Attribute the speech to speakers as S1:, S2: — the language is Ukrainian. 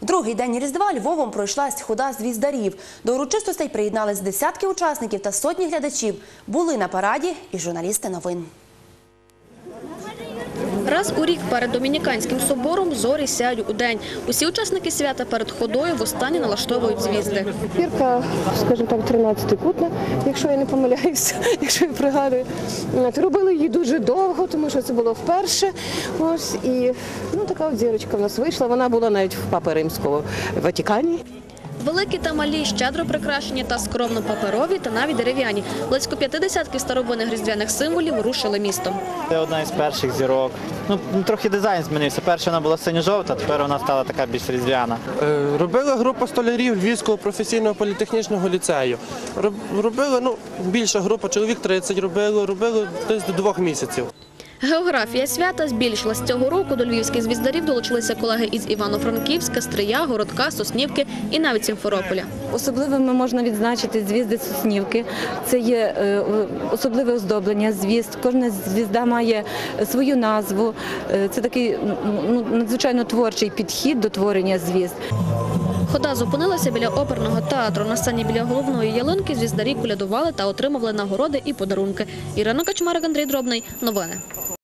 S1: другий день Різдва Львовом пройшлась хода звіздарів. До урочистостей приєднались десятки учасників та сотні глядачів. Були на параді і журналісти новин.
S2: Раз у рік перед Домініканським собором зорі сяють удень. Усі учасники свята перед ходою востаннє налаштовують звізди.
S3: Пірка, скажімо так, 13-кутна, якщо я не помиляюся, якщо я пригадую. Робили її дуже довго, тому що це було вперше. Ось, і така от зірочка в нас вийшла. Вона була навіть в Папи Римського в Ватикані.
S2: Великі та малі, щедро прикрашені та скромно паперові та навіть дерев'яні. Близько 50 старовинних різдвяних символів рушили містом.
S4: Це одна із перших зірок. Трохи дизайн змінився. Перша вона була синьо-жовта, тепер вона стала така більш різдвяна.
S5: Робила група столярів Львівського професійного політехнічного ліцею. Робила, більша група, чоловік 30 робили десь до 2 місяців.
S2: Географія свята збільшилась. Цього року до львівських звіздарів долучилися колеги із Івано-Франківська, Стрия, Городка, Соснівки і навіть Сімферополя.
S6: Особливими можна відзначити звізди Соснівки. Це є особливе оздоблення звізд. Кожна звізда має свою назву. Це такий надзвичайно творчий підхід до творення звізд.
S2: Хода зупинилася біля оперного театру. На сцені біля головної ялинки звіздарі колядували та отримували нагороди і подарунки. Ірина Качмарик, Андрій Дробний. Новини.